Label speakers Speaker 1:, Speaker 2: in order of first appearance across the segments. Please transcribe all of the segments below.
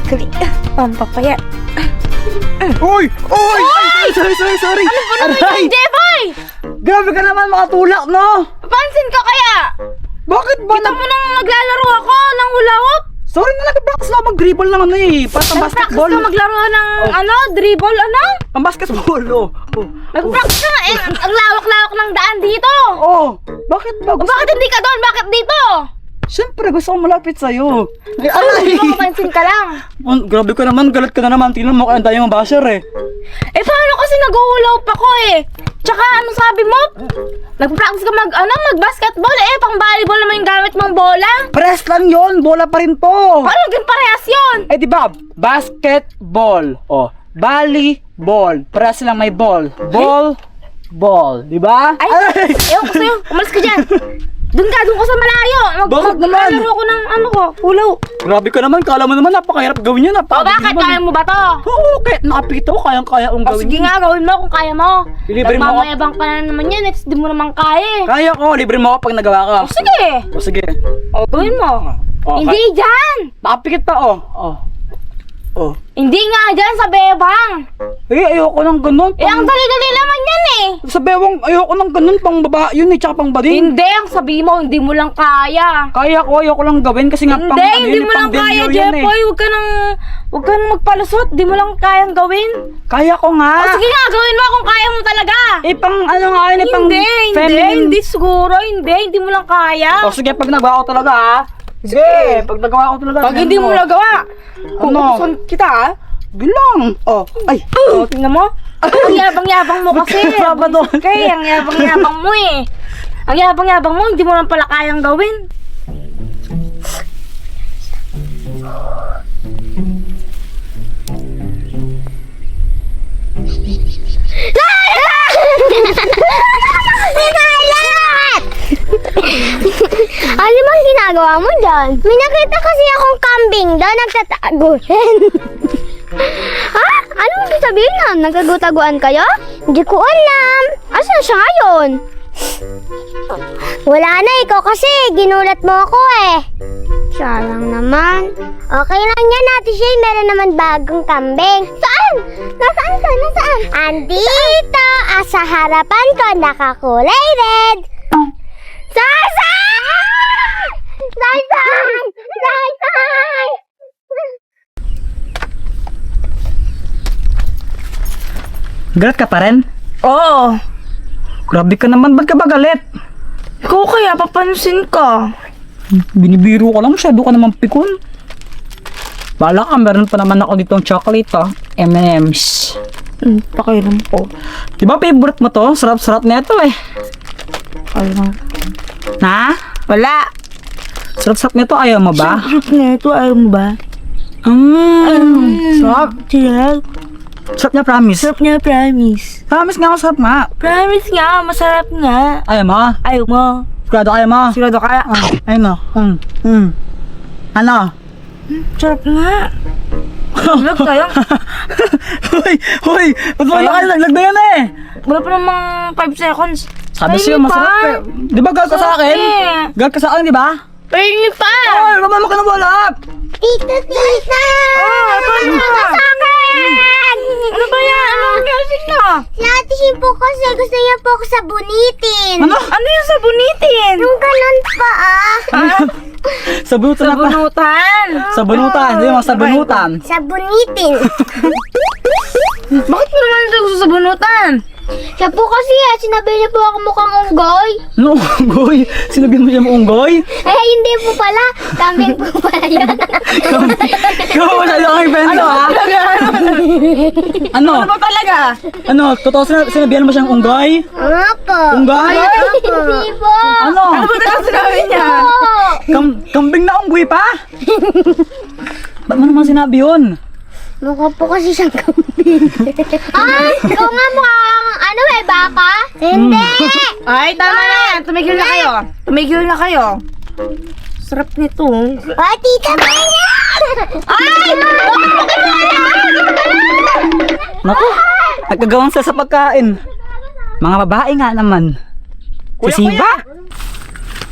Speaker 1: Kali, pampapaya.
Speaker 2: Uy! Uy! Ay, sorry.
Speaker 1: Ano ba naman
Speaker 2: Aray!
Speaker 1: yung Jeboy?
Speaker 2: Grabe ka naman makatulak, no?
Speaker 1: Papansin ka kaya?
Speaker 2: Bakit ba
Speaker 1: Kita mo nang naglalaro ako ng hula hoop?
Speaker 2: Sorry na, nag-practice na mag-dribble ng ano eh. Para pang
Speaker 1: Nag-practice
Speaker 2: basketball.
Speaker 1: ka maglaro ng dribble,
Speaker 2: Pang basketball, oh.
Speaker 1: Nag-practice ka nga, ang lawak-lawak ng daan dito.
Speaker 2: Oh, bakit ba?
Speaker 1: O bakit hindi ka doon? Bakit dito?
Speaker 2: Siyempre, gusto ko malapit sa'yo. Ay,
Speaker 1: Hindi mo mapansin ka lang.
Speaker 2: Grabe ka naman, galit ka na naman. Tingnan mo, kaya tayo mabasher eh.
Speaker 1: Eh paano kasi nag-hula hoop ako eh? Tsaka ano sabi mo? Nag-practice ka mag-basketball eh, pang volleyball naman yung gamit mong bola.
Speaker 2: Press lang yon, bola pa rin to.
Speaker 1: Paano naging parehas yun?
Speaker 2: Eh, di ba? Basketball. Oh, volleyball. Press lang may ball. Ball. Di ba?
Speaker 1: Ay, ewan ko sa'yo, umalis ka dyan. Doon ka sa malayo.
Speaker 2: Bakit naman?
Speaker 1: Maglalaro ko ng hula hoop.
Speaker 2: Grabe ka naman, kala mo naman napakahirap gawin yan.
Speaker 1: O bakit? Kaya mo ba to?
Speaker 2: Oo, kahit nakapikit ako, kayang-kaya kong
Speaker 1: O
Speaker 2: gawin.
Speaker 1: sige nga, gawin mo kung kaya mo.
Speaker 2: Ilibre mo ako.
Speaker 1: Nagmamayabang ka na naman yan, di mo naman kaya eh.
Speaker 2: Kaya ko, libre mo ako pag nagawa ka.
Speaker 1: O sige.
Speaker 2: O sige.
Speaker 1: O gawin mo.
Speaker 2: Oh,
Speaker 1: Hindi dyan.
Speaker 2: Nakapikit pa, oh.
Speaker 1: Hindi nga dyan sa bebang.
Speaker 2: Eh, ayoko ng ganun.
Speaker 1: Eh, ang dali-dali naman yan eh.
Speaker 2: Sa bewang, ayoko ng ganun, pang baba, yun eh, tsaka pang bading.
Speaker 1: Hindi, ang sabi mo, hindi mo lang kaya.
Speaker 2: Kaya ko, ayoko lang gawin kasi nga pang
Speaker 1: Hindi, hindi
Speaker 2: yun,
Speaker 1: mo lang
Speaker 2: pang
Speaker 1: kaya,
Speaker 2: delyo yun,
Speaker 1: Jepoy. Huwag ka nang magpalusot. Di mo lang kayang gawin.
Speaker 2: Kaya ko nga.
Speaker 1: O sige nga, gawin mo kung kaya mo talaga.
Speaker 2: Eh, pang ano nga yun, eh, pang feminine.
Speaker 1: Hindi siguro. Hindi mo lang kaya.
Speaker 2: O sige, pag nagawa ko talaga ha. Sige, pag nagawa ko talaga.
Speaker 1: Pag hindi mo nagawa,
Speaker 2: Ano?
Speaker 1: kukuson kita ah.
Speaker 2: Bilang. Oh, ay.
Speaker 1: O, tingnan mo. Ang yabang-yabang mo kasi.
Speaker 2: Sabado.
Speaker 1: Okay, ang yabang-yabang mo eh. Ang yabang-yabang mo, hindi mo lang pala kayang gawin.
Speaker 3: Ano bang ginagawa mo dyan? May nakita kasi akong kambing doon nagtatago. Ha? Ano ibig sabihin nun? Nagkagutaguan kayo? Hindi ko alam. Asan siya ngayon? Wala na, ikaw kasi. Ginulat mo ako eh. Siya lang naman. Okay lang yan, Ate Shay. Meron naman bagong kambing. Saan? Nasaan? Andito. Sa harapan ko, nakakulay red. Sarsay! Sarsay! Sarsay!
Speaker 2: Galit ka pa rin?
Speaker 1: Oo.
Speaker 2: Grabe ka naman, ba't ka ba galit?
Speaker 1: Ikaw kaya papansin ka.
Speaker 2: Binibiro ko lang, masyado ka naman pikon. Bala ka, meron pa naman ako ditong chocolate ha. M&M's.
Speaker 1: Pakiram ko.
Speaker 2: Di ba favorite mo to? Sarap-sarap na ito eh.
Speaker 1: Pakiram.
Speaker 2: Ha?
Speaker 1: Wala.
Speaker 2: Sarap-sarap na ito, ayaw mo ba?
Speaker 1: Sarap na ito, ayaw mo ba?
Speaker 2: Sarap.
Speaker 1: Sarap.
Speaker 2: Sarap na, promise.
Speaker 1: Sarap niya, promise.
Speaker 2: Promise nga ako, sarap nga.
Speaker 1: Promise nga, masarap nga.
Speaker 2: Ayaw mo?
Speaker 1: Ayaw mo.
Speaker 2: Sigurado ayaw mo?
Speaker 1: Sigurado kaya?
Speaker 2: Ayun mo. Ano?
Speaker 1: Sarap nga. Vlog tayo.
Speaker 2: Hoy! Ba't mo nakalaglag na yan eh?
Speaker 1: Wala pa namang 5 seconds.
Speaker 2: Sabi
Speaker 1: Pahingi
Speaker 2: sa'yo, masarap
Speaker 1: pa.
Speaker 2: eh. Di ba gal ka sa akin?
Speaker 1: eh.
Speaker 2: Gal ka sa akin, di ba?
Speaker 1: Pahingi pa.
Speaker 2: Ay, mama ka na wala!
Speaker 3: Tita!
Speaker 1: Pahingi
Speaker 3: Ano
Speaker 1: pa.
Speaker 3: sa akin?
Speaker 1: Ano ba yan? Ano ang gasin na?
Speaker 3: Si Ate Shay po kasi gusto niya po ako sabunitin.
Speaker 2: Ano?
Speaker 1: Ano yung sabunitin?
Speaker 3: Yung ganun pa ah.
Speaker 2: Sabunutan na pa.
Speaker 1: Sabunutan.
Speaker 2: Sabunutan, di mo sabunutan.
Speaker 3: Sabunitin.
Speaker 1: Bakit mo naman ito gusto sabunutan?
Speaker 3: Siya po kasi sinabi niya po ako mukhang unggoy.
Speaker 2: Ano, unggoy? Sinabihan mo siya mo unggoy?
Speaker 3: Eh, hindi po pala. Kambing po pala yun.
Speaker 2: Ikaw, masyado kang invento ha? Ano?
Speaker 1: Ano ba talaga?
Speaker 2: Ano, totoo sinabihan mo siyang unggoy?
Speaker 3: Nga po.
Speaker 2: Unggoy?
Speaker 3: Hindi po.
Speaker 2: Ano?
Speaker 1: Ano ba talaga sinabi niya?
Speaker 2: Kambing na unggoy pa? Ba't mo naman sinabi yun?
Speaker 3: Mukha po kasi siyang kambing. Ikaw nga mukhang ano eh, baka? Hindi.
Speaker 1: Ay, tama na yan. Tumigil na kayo. Tumigil na kayo. Sarap nito.
Speaker 3: Ay, tita Benya! Ay!
Speaker 2: Naku, nagkagawang sa pagkain. Mga babae nga naman. Si Siba?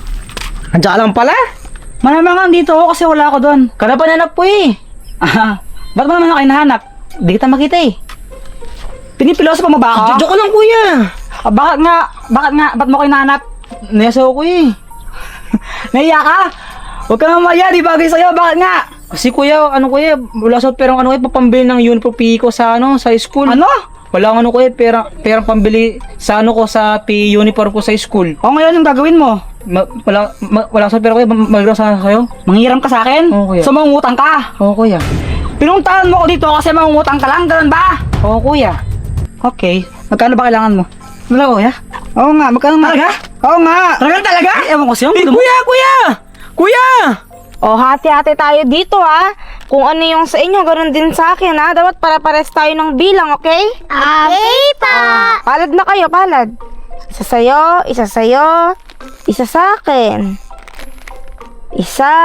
Speaker 4: Andiyan ka lang pala?
Speaker 2: Malamang dito ako kasi wala ako doon.
Speaker 4: Kanapananap po eh.
Speaker 2: Ah, Ba't mo naman ako hinahanap? Di kita makita eh. Pinipiloso pa mo ba ako?
Speaker 4: Joke lang, kuya.
Speaker 2: Bakit nga? Ba't mo ako hinahanap?
Speaker 4: Nayasaw ko eh.
Speaker 2: Naiya ka? Huwag ka naman maya, di bagay sa'yo. Bakit nga?
Speaker 4: Kasi kuya, wala sa perang papambili ng uniform PE ko sa school.
Speaker 2: Ano?
Speaker 4: Wala akong perang pambili sa sa PE uniform ko sa school.
Speaker 2: O ngayon, yung gagawin mo?
Speaker 4: Wala sa pera kuya, magagawa sa kayo.
Speaker 2: Manghiram ka sa akin?
Speaker 4: Oo, kuya.
Speaker 2: So, mangungutang ka?
Speaker 4: Oo kuya.
Speaker 2: Pinuntahan mo ko dito kasi mangungutang ka lang, ganun ba?
Speaker 4: Oo kuya.
Speaker 2: Okay. Magkano ba kailangan mo?
Speaker 4: Wala kuya.
Speaker 2: Oo nga, magkano nga?
Speaker 4: Talaga?
Speaker 2: Oo nga.
Speaker 4: Talaga?
Speaker 2: Ay, ewan ko sa'yo.
Speaker 4: Kuya!
Speaker 1: O, hati-hati tayo dito, ha? Kung ano yung sa inyo, ganun din sa akin, ha? Dapat para-pares tayo ng bilang, okay?
Speaker 3: Okay pa.
Speaker 1: Palad na kayo, palad. Isa sa'yo, isa isa sa akin. Isa.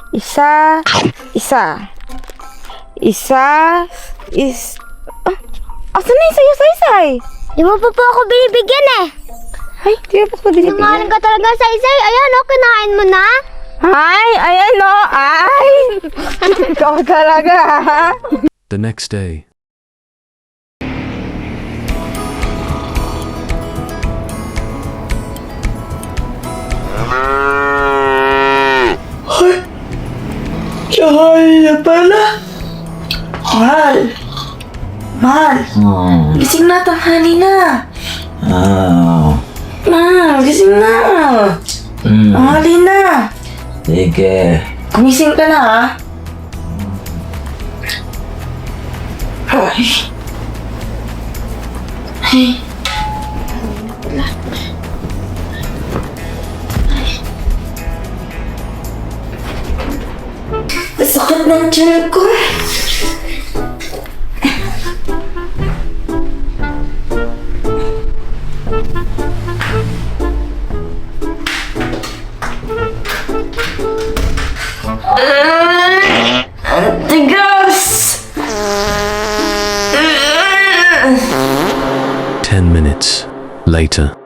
Speaker 1: Asan na yung sayo-saysay?
Speaker 3: Di mo pa po ako binibigyan eh.
Speaker 1: Ay, di ba pa binibigyan?
Speaker 3: Nangalan ka talaga sa isay. Ayan, kinain mo na.
Speaker 1: Ay, ayan o, ay! Ikaw talaga, ha?
Speaker 5: The next day.
Speaker 4: Tsahal na pala. Mahal. Gising na, tanghali na. Gising na. Tanghali na.
Speaker 6: Sige.
Speaker 4: Gumising ka na, ha? Ay. Sakit ng tiyan ko. Tigas!
Speaker 5: 10 minutes later.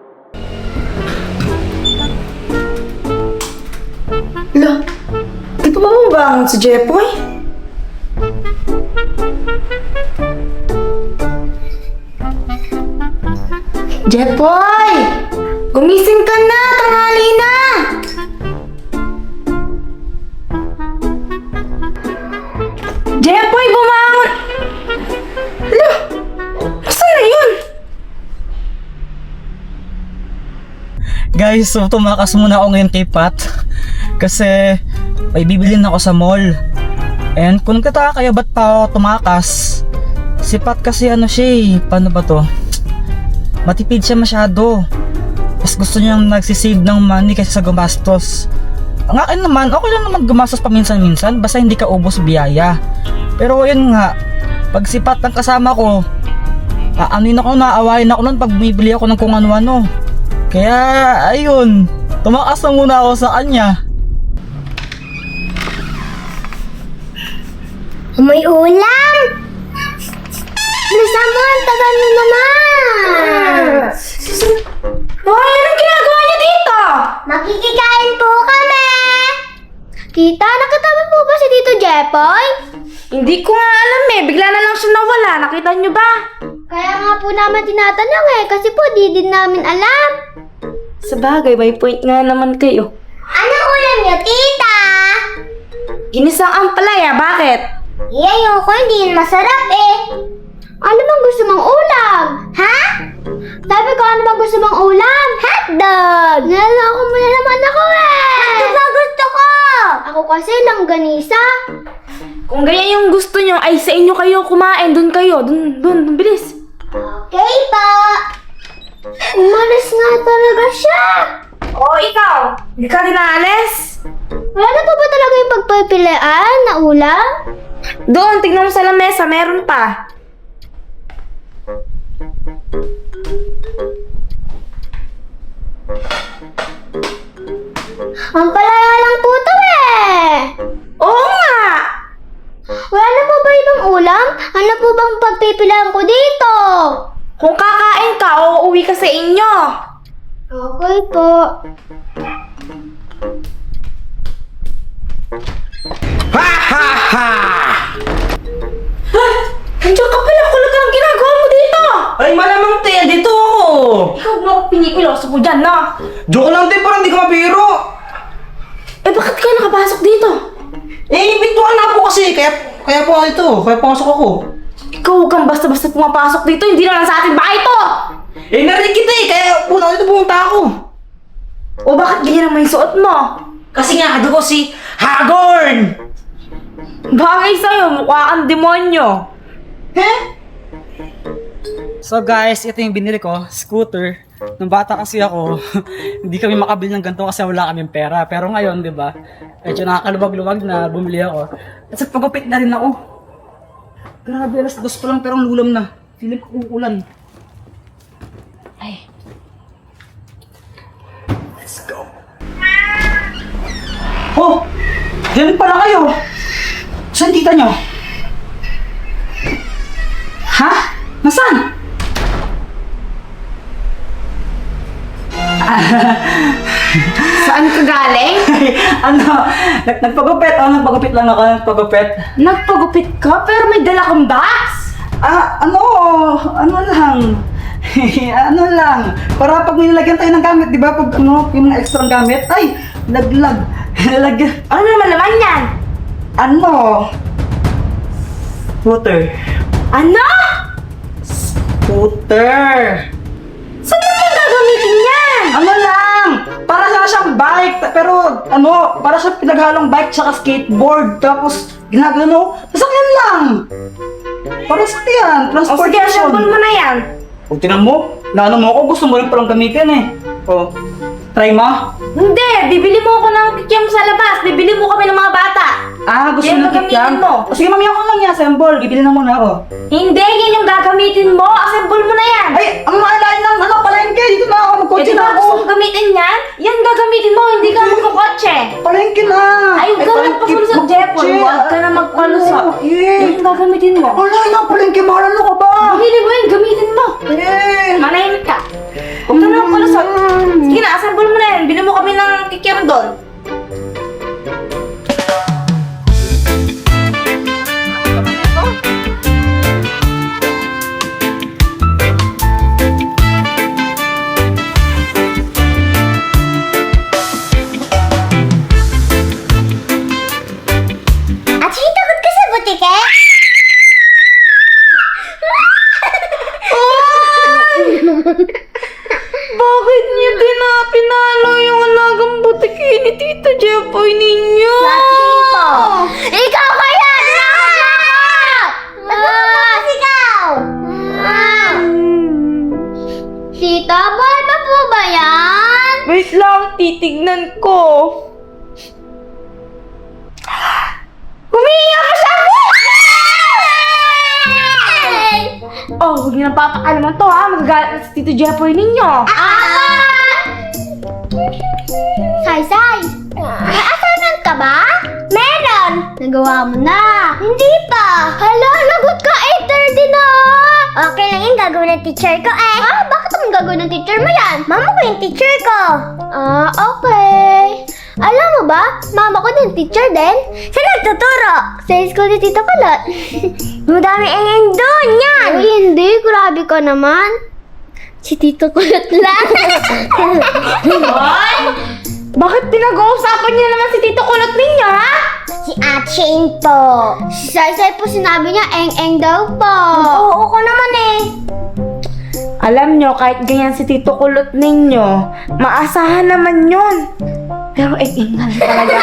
Speaker 4: Lo, di pa mabangon si Jepoy? Jepoy! Gumising ka na! Tanghali na! Jepoy, bumangon! Lo, saan na yun?
Speaker 2: Guys, so tumakas muna ako ngayon kay Pat. Kasi may bibilin ako sa mall. And kung nagtataka kayo ba't pa ako tumakas, si Pat kasi ano siya eh, paano ba to? Matipid siya masyado. Mas gusto niyang nagsisave ng money kaysa sa gumastos. Ang akin naman, okay lang naman gumastos paminsan-minsan basta hindi ka ubos biyaya. Pero yun nga, pag si Pat ang kasama ko, aanuin ako, naawain ako nun pag bumibili ako ng kung ano-ano. Kaya ayun, tumakas na muna ako sa kanya.
Speaker 3: May ulam! Bilisan mo, ang tagal mo naman!
Speaker 1: Hoy, anong ginagawa niyo dito?
Speaker 3: Makikikain po kami! Tita, nakatama po ba si Tito Jepoy?
Speaker 1: Hindi ko nga alam eh. Bigla na lang siya nawala. Nakita niyo ba?
Speaker 3: Kaya nga po naman tinatanong eh, kasi po di din namin alam.
Speaker 1: Sa bagay, may point nga naman kayo.
Speaker 3: Anong ulam niyo, tita?
Speaker 1: Ginisang ampalaya, bakit?
Speaker 3: Ayoko, hindi yun masarap eh. Ano bang gusto mong ulam? Ha? Sabi ko, ano bang gusto mong ulam? Hotdog! Naloko mo na naman ako eh! Hotdog ba gusto ko? Ako kasi langganisa.
Speaker 1: Kung ganyan yung gusto niyo, ay sa inyo kayo kumain. Doon kayo. Doon, bilis.
Speaker 3: Okay pa. Umalis nga talaga siya.
Speaker 1: Oo, ikaw. Hindi ka rin naalis?
Speaker 3: Wala na po ba talaga yung pagpipilian na ulam?
Speaker 1: Doon, tignan mo sa lamesa. Meron pa.
Speaker 3: Ang palaya lang po to eh.
Speaker 1: Oo nga.
Speaker 3: Wala na po ba ibang ulam? Ano po bang pagpipilian ko dito?
Speaker 1: Kung kakain ka, uuwi ka sa inyo.
Speaker 3: Okay po.
Speaker 1: iloso mo dyan, no?
Speaker 4: Joke lang din, parang hindi ka mabiro.
Speaker 1: Eh, bakit ka nakapasok dito?
Speaker 4: Eh, bintuan na po kasi, kaya po ako ito, kaya pumasok ako.
Speaker 1: Ikaw huwag kang basta-basta pumapasok dito, hindi naman sa ating bahay to!
Speaker 4: Eh, narinig kita eh, kaya po dito pumunta ako.
Speaker 1: O bakit ganyan naman yung suot mo?
Speaker 4: Kasi nga, ano ko si Hagorn!
Speaker 1: Bagay sa'yo, mukha kang demonyo.
Speaker 2: So guys, ito yung binili ko, scooter. Nung bata kasi ako, hindi kami makabili ng ganito kasi wala kaming pera. Pero ngayon, di ba, medyo nakakaluwag-luwag na bumili ako. At sa pagupit na rin ako. Grabe, alas 2 pa lang pero ang lulam na. Feeling ko uulan. Ay. Let's go. Oh! Diyan pala kayo! Saan tita nyo? Ha? Nasaan?
Speaker 1: Saan ka galing?
Speaker 2: Ano? Nagpagupit. Nagpagupit lang ako. Nagpagupit.
Speaker 1: Nagpagupit ka pero may dala kang box?
Speaker 2: Ano lang. Ano lang. Para pag may nilagyan tayo ng gamit, di ba? Pag yung mga extra gamit, ay, laglag. Lagyan.
Speaker 1: Ano naman laman yan?
Speaker 2: Ano? Scooter.
Speaker 1: Ano?
Speaker 2: Scooter.
Speaker 1: Saan naman gagamitin yan?
Speaker 2: Ano lang? Para sana siyang bike, pero para siya pinaghalong bike tsaka skateboard. Tapos, ginagano, sasakyan lang. Para sa yan,
Speaker 1: O sige,
Speaker 2: transportation.
Speaker 1: assemble mo na yan.
Speaker 2: O, tinan mo, naano mo ako, gusto mo rin palang gamitin eh. O, try mo?
Speaker 1: Hindi, bibili mo ako ng kikiam sa labas. Bibili mo kami ng mga bata.
Speaker 2: Gusto
Speaker 1: Yan
Speaker 2: mo
Speaker 1: ang
Speaker 2: ng
Speaker 1: gagamitin
Speaker 2: kikiam?
Speaker 1: mo.
Speaker 2: O sige, mami, ako lang yan, assemble. Bibili na muna ako.
Speaker 1: Hindi, yan yung gagamitin mo. Assemble mo na yan.
Speaker 2: Ay, ang maalain lang, palengke, dito na ako,
Speaker 1: Eh,
Speaker 2: magkotse
Speaker 1: di
Speaker 2: na
Speaker 1: ba
Speaker 2: ako.
Speaker 1: gusto mong gamitin yan? Yan gagamitin mo, hindi ka magkakotse.
Speaker 2: Palengke na.
Speaker 1: Ay, huwag ka na magpapalusot, Jepoy. Huwag ka na magpalusot. Yan yung gagamitin mo.
Speaker 2: Wala na, palengke, mahal ano ka ba?
Speaker 1: Bili mo yan, gamitin mo.
Speaker 2: Eh.
Speaker 1: Manahimik ka. Huwag ka na magpalusot. Sige na, assemble mo na yan. Bili mo kami ng kikiam doon.
Speaker 3: At takot ka sa butike?
Speaker 1: Bakit niyo pinalo yung alagang butiki ni Tita Jepoy ninyo?
Speaker 3: Tito! Ikaw kaya! Nagbubukas ikaw! Tita, buhay pa po ba yan?
Speaker 1: Wait lang, titignan ko. Umiiyak ka sa Oh, huwag niyo nang papakalaman to ha. Magagalit na si Tito Jepoy ninyo.
Speaker 3: Say! May assignment ka ba? Meron! Nagawa mo na! Hindi pa! Hala, lagot ka! 8:30 na! Okay lang yung gagawin ng teacher ko eh! Bakit ang gagawin ng teacher mo yan? Mama ko yung teacher ko! Okay! Alam mo ba, mama ko din teacher din? Saan nagtuturo? Sa school ni Tito Kulot. Madami ang doon yan! Uy, hindi. Grabe ka naman. Si Tito Kulot lang.
Speaker 1: Hoy! Bakit pinag-uusapan niyo naman si Tito Kulot ninyo, ha?
Speaker 3: Si Aching po. Si Saysay po sinabi niya eng-eng daw po. Oo ko naman eh.
Speaker 1: Alam nyo, kahit ganyan si Tito Kulot ninyo, maasahan naman yun. Pero ingal talaga.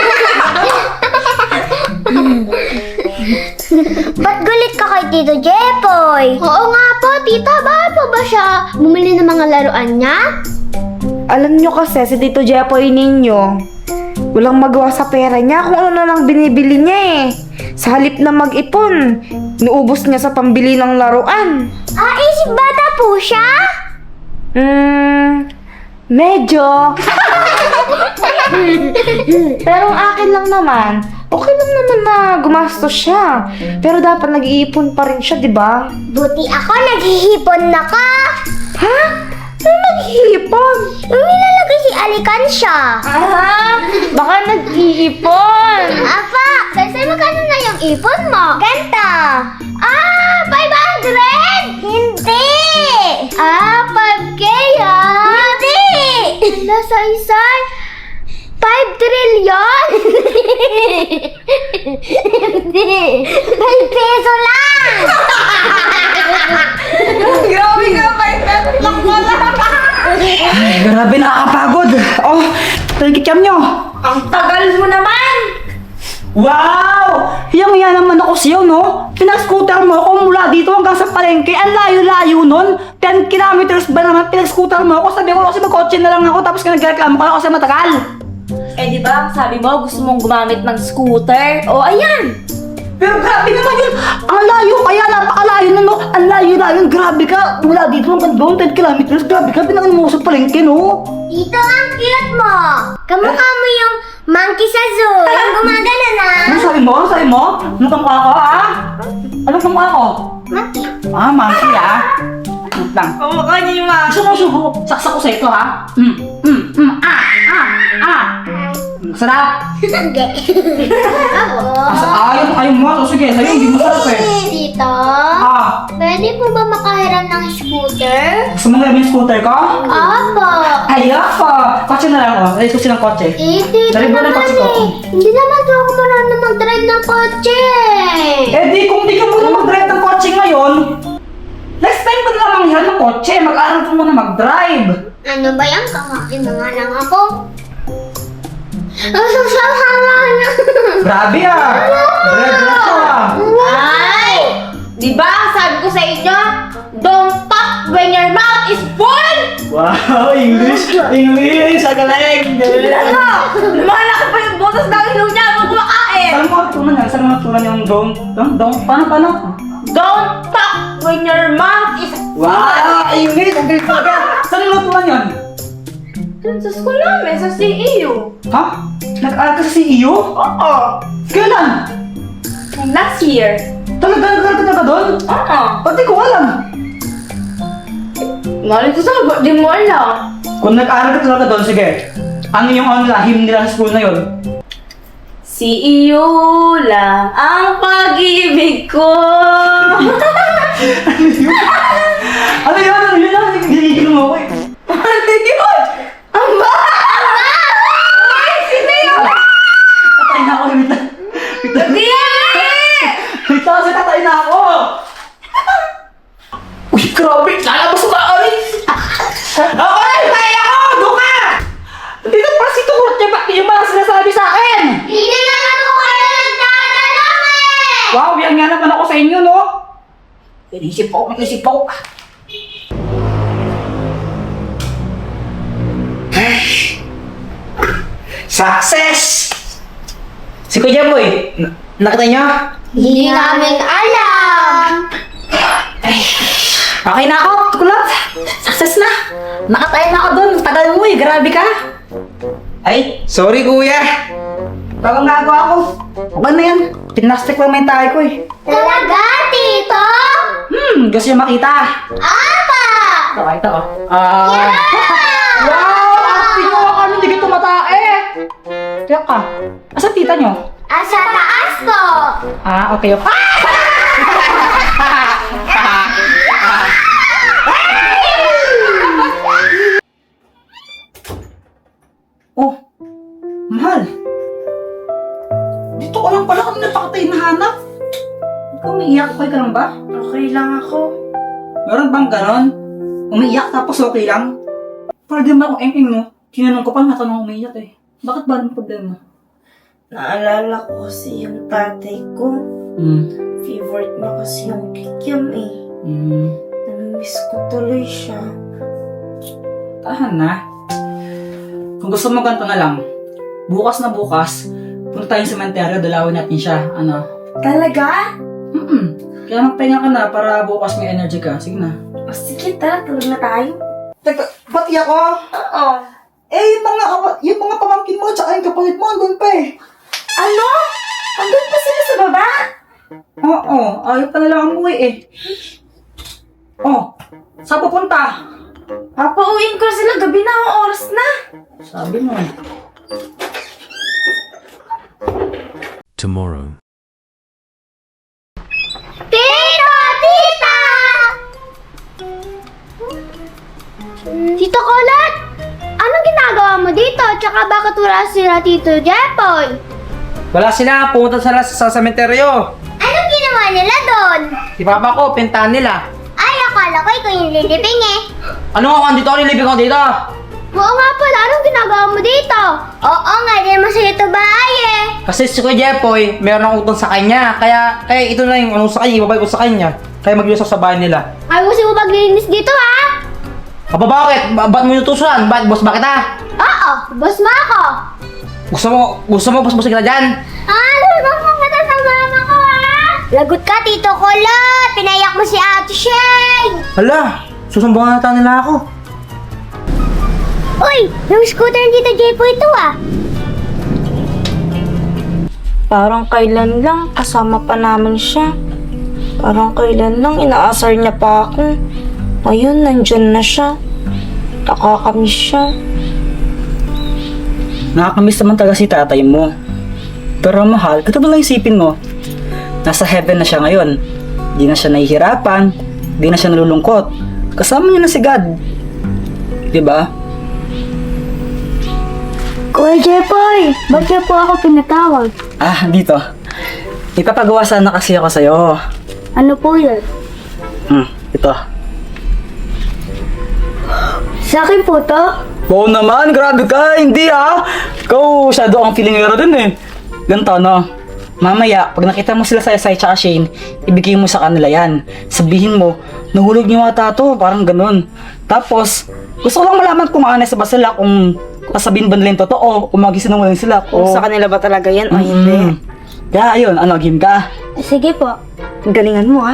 Speaker 3: Ba't galit ka kay Tito Jepoy? Oo nga po, tita. Bakit po ba siya bumili ng mga laruan niya?
Speaker 1: Alam nyo kasi, si Tito Jepoy ninyo, walang magawa sa pera niya kung ano na lang binibili niya eh. Sa halip na mag-ipon, nuubos niya sa pambili ng laruan.
Speaker 3: Isip bata po siya?
Speaker 1: Medyo. Pero ang akin lang naman, okay lang naman na gumastos siya. Pero dapat nag-iipon pa rin siya, di ba?
Speaker 3: Buti ako, naghihipon na ka.
Speaker 1: Ha? Saan nag-iipon?
Speaker 3: Yung nilalagay si Alikansya.
Speaker 1: Baka nag-iipon.
Speaker 3: Apa, Saysay, magkano na yung ipon mo? Ganta. 500? Hindi. 5K ha? Hindi. yan? Hindi. 5 peso lang!
Speaker 1: Grabe ka, 5 pesos lang pala.
Speaker 2: Grabe, nakakapagod. Oh, kikiam nyo.
Speaker 1: Ang tagal mo naman.
Speaker 2: Wow! Hiyang-hiya naman ako sa'yo, no? Pinag-scooter mo ako mula dito hanggang sa palengke. Ang layo-layo nun. 10 kilometers ba naman pinag-scooter mo ako? Sabi ko kasi mag-kotse na lang ako tapos nagreklamo ka kasi matagal.
Speaker 1: Eh di ba, sabi mo gusto mong gumamit ng scooter? O ayan.
Speaker 2: Pero grabe naman yun. Ang layo kaya, napakalayo nun, no? Ang layo-layo, grabe ka. Mula dito hanggang doon, 10 kilometers. Grabe ka, pinangan mo sa palengke, no?
Speaker 3: Tito, ang cute mo! Kamukha mo yung monkey sa zoo. Yung gumagana na.
Speaker 2: Ano sabi mo? Ano sabi mo? Ano kamukha ko, ha? Ano kamukha ko?
Speaker 3: Monkey.
Speaker 2: Ah, monkey, ha? Wait lang.
Speaker 1: Kamukha niyo yung mga...
Speaker 2: Gusto mo subo? Saksak ko sa ito, ha? Sarap!
Speaker 3: Hindi. Ako.
Speaker 2: Ayaw mo. So, sige, sa'yo, hindi mo sarap eh.
Speaker 3: Tito,
Speaker 2: Ah,
Speaker 3: pwede po ba makahiram ng scooter?
Speaker 2: gusto mo yung scooter ko?
Speaker 3: Opo.
Speaker 2: Ayoko! Kotse na lang ako. Ay, gusto ng kotse.
Speaker 3: Eh, tito
Speaker 2: Dali mo ng
Speaker 3: naman
Speaker 2: kotse ko.
Speaker 3: eh. Hindi naman po ako marunong mag-drive ng kotse.
Speaker 2: Eh di, kung di ka muna mag-drive ng kotse ngayon, next time ko na lang manghiram ng kotse. Mag-aaral ko muna mag-drive.
Speaker 3: Ano ba yan? Kakain na nga lang ako. Ang sasama na.
Speaker 2: Grabe ah! Diretso ah!
Speaker 1: Ay! Di ba, sabi ko sa inyo, don't talk when your mouth is full!
Speaker 2: Wow! English! English! Ang galing!
Speaker 1: Ano? Lumalaki pa yung butas ng ilong niya habang kumakain!
Speaker 2: Saan mo natutunan yan? Saan mo natutunan yung don't? Paano?
Speaker 1: Don't talk when your mouth is full!
Speaker 2: Wow! English! Ang galing talaga! Saan mo natutunan yan?
Speaker 1: Dun sa school namin, sa CEU.
Speaker 2: Ha? Nag-aaral ka sa CEO?
Speaker 1: Oo.
Speaker 2: Kailan?
Speaker 1: Last year.
Speaker 2: Talaga ka doon?
Speaker 1: Oo.
Speaker 2: Ba't di ko alam?
Speaker 1: Ngayon ko sa di mo alam.
Speaker 2: Kung nag-aaral ka talaga doon, sige. Ano yung lahim nila sa school na yun?
Speaker 1: CEU lang ang pag-ibig ko.
Speaker 2: Ano yun? Ginigil mo ako eh.
Speaker 1: Ano yun? Ang ba? Ay, sino yun?
Speaker 2: Tatay na ako, wait lang.
Speaker 1: Hindi!
Speaker 2: Wait lang kasi tatay na ako. Uy, grabe. Lalabas ko ka, ay. Okay, tatay ako. Doon ka. Dito pa si Tukurot niya. Bakit yung mga sinasabi sa akin?
Speaker 3: Hindi naman po kayo nagtatanong eh!
Speaker 2: Wow, yan nga naman ako sa inyo, no? Inisip ako. Success! Si Kuya Boy, nakita niyo?
Speaker 3: Hindi namin alam!
Speaker 2: Okay na ako, kulot. Success na. Nakatayo na ako dun. Tagal mo eh, grabe ka. Ay, sorry kuya. Bagang nagawa ako. Okay na yan. Pinastik lang may tayo ko eh.
Speaker 3: Talaga, Tito?
Speaker 2: Gusto niyo makita?
Speaker 3: Apa!
Speaker 2: Pakita ko. Wow! Pinuha kami, hindi ka tumatae. Tiyak ka. Asa tita niyo?
Speaker 3: Asa taas ko!
Speaker 2: Okay. Oh, mahal. Dito ko lang pala kami napakatay na hanap. Ikaw umiiyak, okay ka lang ba?
Speaker 1: Okay lang ako.
Speaker 2: Meron bang ganon? Umiiyak tapos okay lang? Para di ba akong eng-eng mo? Tinanong ko pa, natanong umiiyak eh. Bakit ba ang problema?
Speaker 1: Naalala ko kasi yung tatay ko. Favorite niya kasi yung kikiam eh. Namimiss ko tuloy siya.
Speaker 2: Tahan na. Kung gusto mo ganito na lang, bukas na bukas, punta tayong sementeryo, dalawin natin siya. Ano?
Speaker 1: Talaga?
Speaker 2: Kaya magpahinga ka na para bukas may energy ka. Sige na.
Speaker 1: O sige, tara, tulog na tayo.
Speaker 2: Teka, pati ako?
Speaker 1: Oo.
Speaker 2: Eh, yung mga pamangkin mo, tsaka yung kapalit mo, andun pa eh.
Speaker 1: Ano? Andun pa sila sa baba?
Speaker 2: Oo, ayaw pa nalang umuwi eh. Oh, saan pupunta?
Speaker 1: Papauwiin ko sila, gabi na ang oras na.
Speaker 2: Sabi mo eh.
Speaker 5: Tomorrow.
Speaker 3: Tito! Tita! Tito Kulot! Anong ginagawa mo mo dito? Tsaka bakit wala sila Tito Jepoy?
Speaker 4: Wala sila, pumunta sila sa sementeryo.
Speaker 3: Anong ginawa nila doon?
Speaker 4: Si papa ko, pintahan nila.
Speaker 3: Ay, akala ko ikaw yung lilibing eh.
Speaker 4: Ano nga kung dito, nilibig ko dito?
Speaker 3: Oo nga pala, anong ginagawa mo dito? Oo nga, di naman sa'yo ito bahay eh.
Speaker 4: Kasi si Kuya Jepoy, meron akong utang sa kanya. Kaya ito na yung ano sa kanya, ibabay ko sa kanya. Kaya mag-iusap sa bahay nila.
Speaker 3: Ayusin mo maglinis dito ha?
Speaker 4: Aba bakit? Ba't mo inutusan? Boss, bakit ha?
Speaker 3: Oo, boss mo ako.
Speaker 4: Gusto mo boss kita dyan?
Speaker 3: Lulubang mo kita sa mama ko ha? Lagot ka, Tito Kulot. Pinayak mo si Ate Shane.
Speaker 4: Hala, susumbungan nata nila ako.
Speaker 3: Uy, yung scooter ng Tito Jepoy ito ah.
Speaker 1: Parang kailan lang kasama pa namin siya. Parang kailan lang inaasar niya pa ako. Ayun, nandyan na siya. Nakakamiss siya.
Speaker 2: Nakakamiss naman talaga si tatay mo. Pero mahal, ito ba lang isipin mo? Nasa heaven na siya ngayon. Di na siya nahihirapan. Di na siya nalulungkot. Kasama niya na si God. Diba?
Speaker 3: Kuya Jepoy, ba't niyo po ako pinatawag?
Speaker 2: Dito. Ipapagawa sana kasi ako sa'yo.
Speaker 3: Ano po yun?
Speaker 2: Ito.
Speaker 3: Sa akin po to?
Speaker 2: Oo naman, grabe ka, hindi Ikaw, shadow ang feeling nila din eh. Ganito, no? Mamaya, pag nakita mo sila sa Sai tsaka Shane, ibigay mo sa kanila yan. Sabihin mo, nahulog niyo ata to, parang ganun. Tapos, gusto ko lang malaman kung honest ba sila, kung sasabihin ba nila yung totoo, kung magisinungaling sila.
Speaker 1: Kung sa kanila ba talaga yan o hindi.
Speaker 2: Kaya ayun, game ka?
Speaker 3: Sige po.
Speaker 1: Galingan mo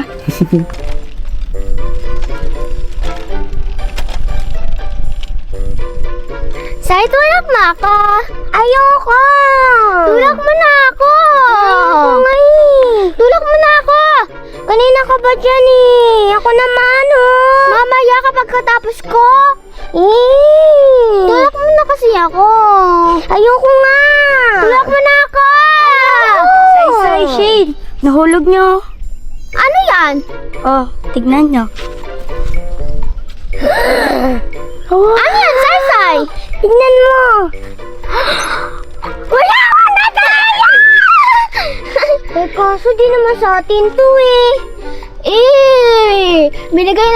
Speaker 3: Sai, tulak mo ako. Ayoko. Tulak mo na ako. Ayoko nga eh. Tulak mo na ako. Kanina ka ba dyan eh? Ako naman Mamaya kapag katapos ko. Tulak mo na kasi ako. Ayoko nga. Tulak mo na ako.
Speaker 6: Sai, Shane, nahulog nyo.
Speaker 3: Ano yan?
Speaker 6: Oh, tignan nyo.
Speaker 3: Ano yan, Sai? Tignan mo. Wala akong nataya! Kaso di naman sa atin to eh. Binigay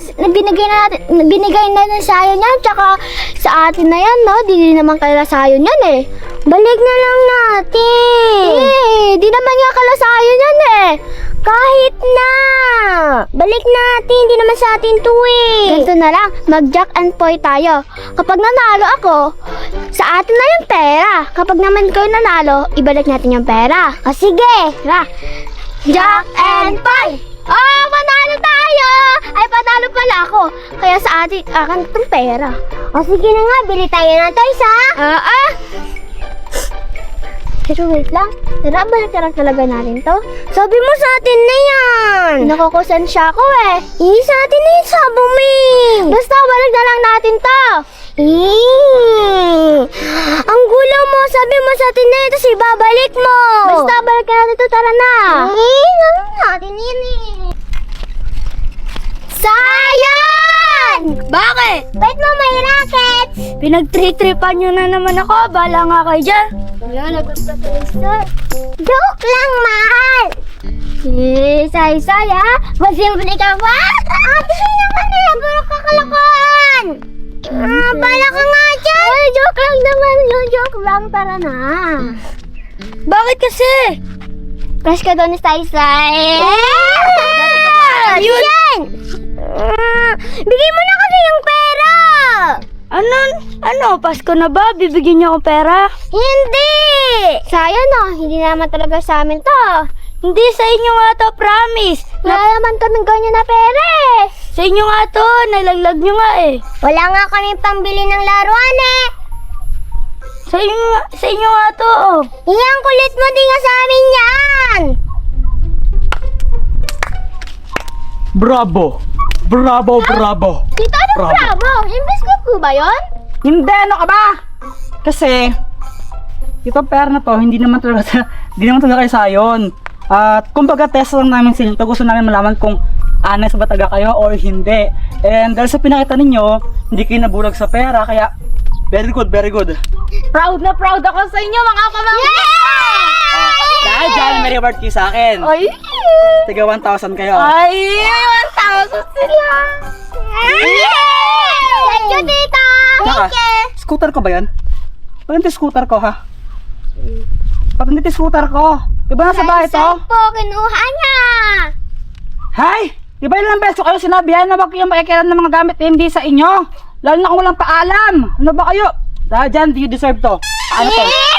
Speaker 3: na natin sa'yo niyan, tsaka sa atin na yan, no? Di naman kaila sa'yo niyan eh. Balik na lang natin. Di naman nga kaila sa'yo niyan eh. Kahit na! Balik natin, di naman sa atin to eh. Ganito na lang, mag-jack and poy tayo. Kapag nanalo ako, sa atin na yung pera. Kapag naman kayo nanalo, ibalik natin yung pera. O sige, tara. Jack and poy! Oh, panalo tayo! Ay, panalo pala ako. Kaya sa akin itong pera. O sige na nga, bili tayo ng toys ha? Pero wait lang, tara, balik na lang talaga natin to. Sabi mo sa atin na yan. Nakukusan siya ako eh. Sa atin na yung sabo mo. Basta balik na lang natin to. Ang gulo mo, sabi mo sa atin na yun, tapos ibabalik mo. Basta balik na natin to, tara na. Natin yun Sayang!
Speaker 6: Bakit?
Speaker 3: Ba't mo may rackets?
Speaker 6: Pinag-trip-tripan nyo na naman ako. Bala nga kayo dyan.
Speaker 3: Joke lang, mahal! Say-say ha? Masimple ka ba? Ate, naman nila, puro kakalakuan! Bala ka nga dyan! Ay, joke lang naman, joke lang, tara na.
Speaker 6: Bakit kasi?
Speaker 3: Crush ka doon ni Say-say. Yan! Bigay mo na kasi yung pera!
Speaker 6: Ano? Pasko na ba? Bibigyan niyo ako pera?
Speaker 3: Hindi! Sayang no, hindi naman talaga sa amin to.
Speaker 6: Hindi, sa inyo nga to, promise.
Speaker 3: Wala naman kaming ganyan na pera eh.
Speaker 6: Sa inyo nga to, nalaglag nyo nga eh.
Speaker 3: Wala nga kami pambili ng laruan eh.
Speaker 6: Sa inyo nga to, oh.
Speaker 3: Iyang kulit mo din nga sa amin yan.
Speaker 2: Bravo! Bravo!
Speaker 3: Tito, ano bravo? Imbes ko ba yun?
Speaker 2: Hindi, ano ka ba? Kasi, ito pera na to, hindi naman talaga kayo sayon. At kumbaga test lang namin sila. Gusto namin malaman kung honest ba talaga kayo or hindi. And dahil sa pinakita ninyo, hindi kayo nabulag sa pera, kaya Very good, very good.
Speaker 1: Proud na proud ako sa inyo, mga pamangkin!
Speaker 2: Dahil dyan, may reward kayo sa akin.
Speaker 1: Ay!
Speaker 2: Tiga 1,000 kayo.
Speaker 1: Ay! 1,000 sila!
Speaker 3: Thank you, tita!
Speaker 2: Tsaka, scooter ko ba yan? Pagkakita scooter ko, ha? Pagkakita scooter ko. Diba nasa bahay to?
Speaker 3: Saan po kinuha niya?
Speaker 2: Hay! Diba ilang beses ko kayo sinabihan na wag kayong makikialam ng mga gamit na hindi sa inyo? Lalo na kung walang paalam. Ano ba kayo? Dahil dyan, do you deserve to? Ano to?